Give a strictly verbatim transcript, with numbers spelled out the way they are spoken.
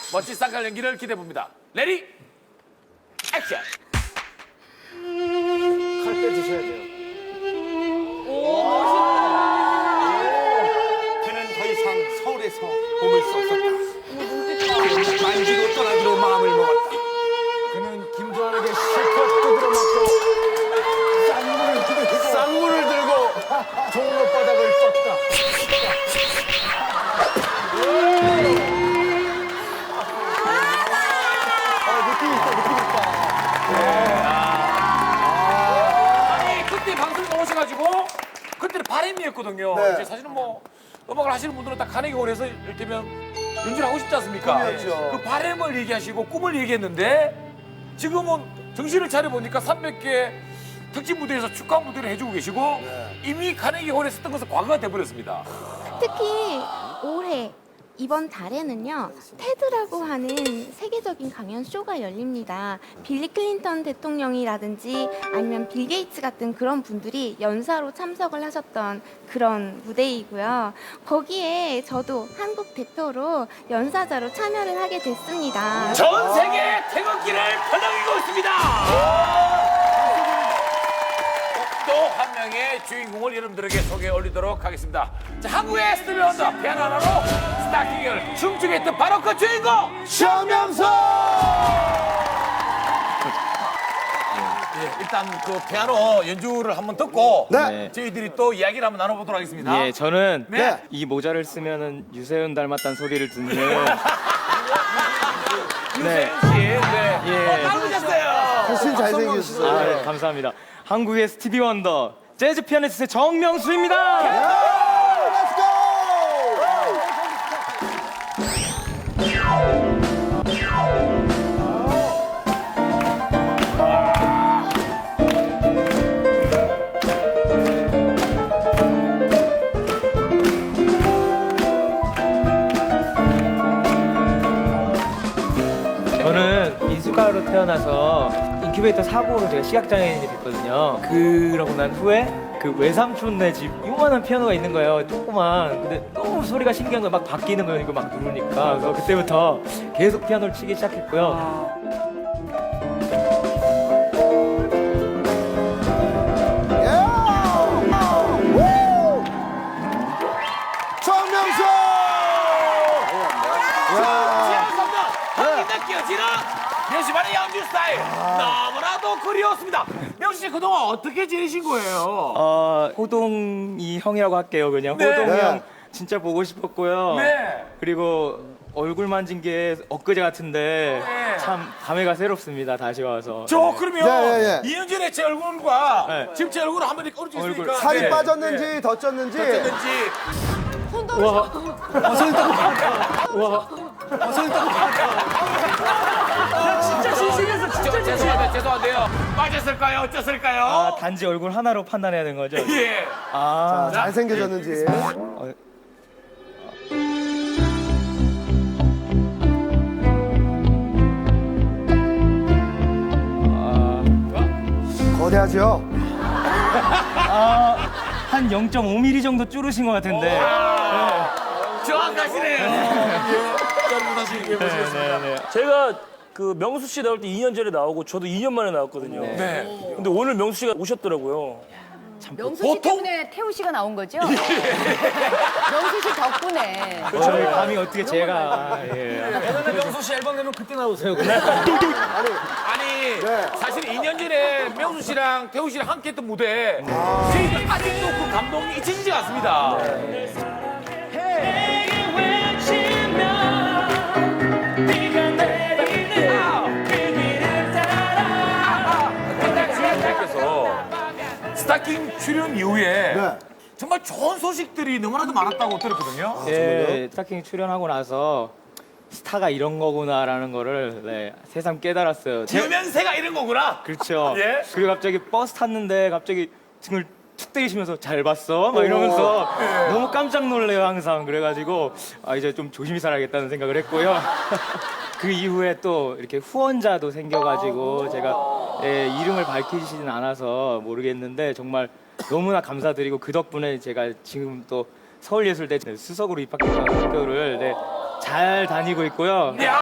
멋진 쌍칼 연기를 기대해 봅니다. 레디 액션. 칼 빼주셔야 돼요. 그는 더 이상 서울에서 몸을 수 없었다. 만지고 떠나기로 마음을 먹었다. 그는 김조한에게 실컷 두드려 맞고 쌍물을 들고 쌍물을 들고 종로바닥을 떴다. 아, 느낌 있다, 느낌 있다. 아니 그때 방송에 나오셔가지고 그때는 바램이었거든요. 네. 이제 사실은 뭐 음악을 하시는 분들은 딱 카네기홀에서 이를테면 연주를 하고 싶지 않습니까? 꿈이었죠. 그 바램을 얘기하시고 꿈을 얘기했는데 지금은 정신을 차려 보니까 삼백 개 특집 무대에서 축하 무대를 해주고 계시고 네. 이미 카네기홀에 썼던 것은 과거가 돼버렸습니다. 특히 올해 이번 달에는요 테드라고 하는 세계적인 강연 쇼가 열립니다. 빌리 클린턴 대통령이라든지 아니면 빌 게이츠 같은 그런 분들이 연사로 참석을 하셨던 그런 무대이고요. 거기에 저도 한국 대표로 연사자로 참여를 하게 됐습니다. 전 세계 태극기를 펴당기고 있습니다. 또 한 명의 주인공을 여러분들에게 소개해 올리도록 하겠습니다. 자, 한국의 스티비 원더 피아노 하나로 스타킹을 춤추게 했던 바로 그 주인공 최명수! 예, 일단 그 피아노 연주를 한번 듣고 네. 저희들이 또 이야기를 한번 나눠보도록 하겠습니다. 예, 저는 네. 이 모자를 쓰면은 유세윤 닮았다는 소리를 듣는 유세윤 씨, 네. 예. 어, 닮으셨어요. 훨씬 잘생겼어요. 아, 네, 감사합니다. 한국의 스티비 원더 재즈 피아니스트 정명수입니다. Let's go! 저는 민수가로 태어나서 인큐베이터 사고로 제가 시각장애인이 됐거든요. 그러고 난 후에 그 외삼촌네 집 요만한 피아노가 있는 거예요. 조그만. 근데 너무 소리가 신기한 거예요. 막 바뀌는 거예요. 이거 막 누르니까. 그래서 그때부터 계속 피아노를 치기 시작했고요. 정명수! 지하선도 한기 느껴지는 명시만의 연주 스타일 너무나도 그리웠습니다. 명시 씨 그동안 어떻게 지내신 거예요? 어, 호동이 형이라고 할게요. 그냥 네. 호동이 네. 형 진짜 보고 싶었고요. 네. 그리고 얼굴 만진 게 엊그제 같은데 네. 참 감회가 새롭습니다. 다시 와서. 저 그러면 예, 예, 예. 이 년 전에 제 얼굴과 네. 지금 제 얼굴을 한번 이렇게 어르신 얼굴. 있으니까 살이 네. 빠졌는지 네. 더 쪘는지 어쨌든지 와, 진짜 신신해서 진짜 죄송한데 죄송한데요 빠졌을까요 어쩌을까요? 아, 단지 얼굴 하나로 판단해야 되는 거죠? 예. 아, 잘생겨졌는지. 어, 거대하죠? 아, 한 영 점 오 밀리미터 정도 줄으신 것 같은데. 정확하시네요. 여러분 다시 얘기해 보시겠습니다. 네, 네. 제가 그 명수 씨 나올 때 이 년 전에 나오고 저도 이 년 만에 나왔거든요. 네. 근데 오늘 명수 씨가 오셨더라고요. 명수 씨 보통- 때문에 태우 씨가 나온 거죠? 명수 씨 덕분에. 오늘 감이 어떻게 제가. 예. 명수 씨 앨범 내면 그때 나오세요. 아니 네. 사실 이 년 전에 명수 씨랑 태우 씨랑 함께 했던 무대 저희들 아직도 그 감동이 잊혀지지 않습니다. 께서 스타킹 출연 이후에 네. 정말 좋은 소식들이 너무나도 많았다고 들었거든요. 예, 스타킹 출연하고 나서 스타가 이런 거구나라는 거를 네, 새삼 깨달았어요. 제- 유면세가 이런 거구나. 그렇죠. 예? 그리고 갑자기 버스 탔는데 갑자기 등을 툭 때리시면서 잘 봤어? 막 이러면서 너무 깜짝 놀래요 항상. 그래가지고 아 이제 좀 조심히 살아야겠다는 생각을 했고요. 그 이후에 또 이렇게 후원자도 생겨가지고 제가 예, 이름을 밝히시진 않아서 모르겠는데 정말 너무나 감사드리고 그 덕분에 제가 지금 또 서울예술대 수석으로 입학해서 학교를 네, 잘 다니고 있고요. 야!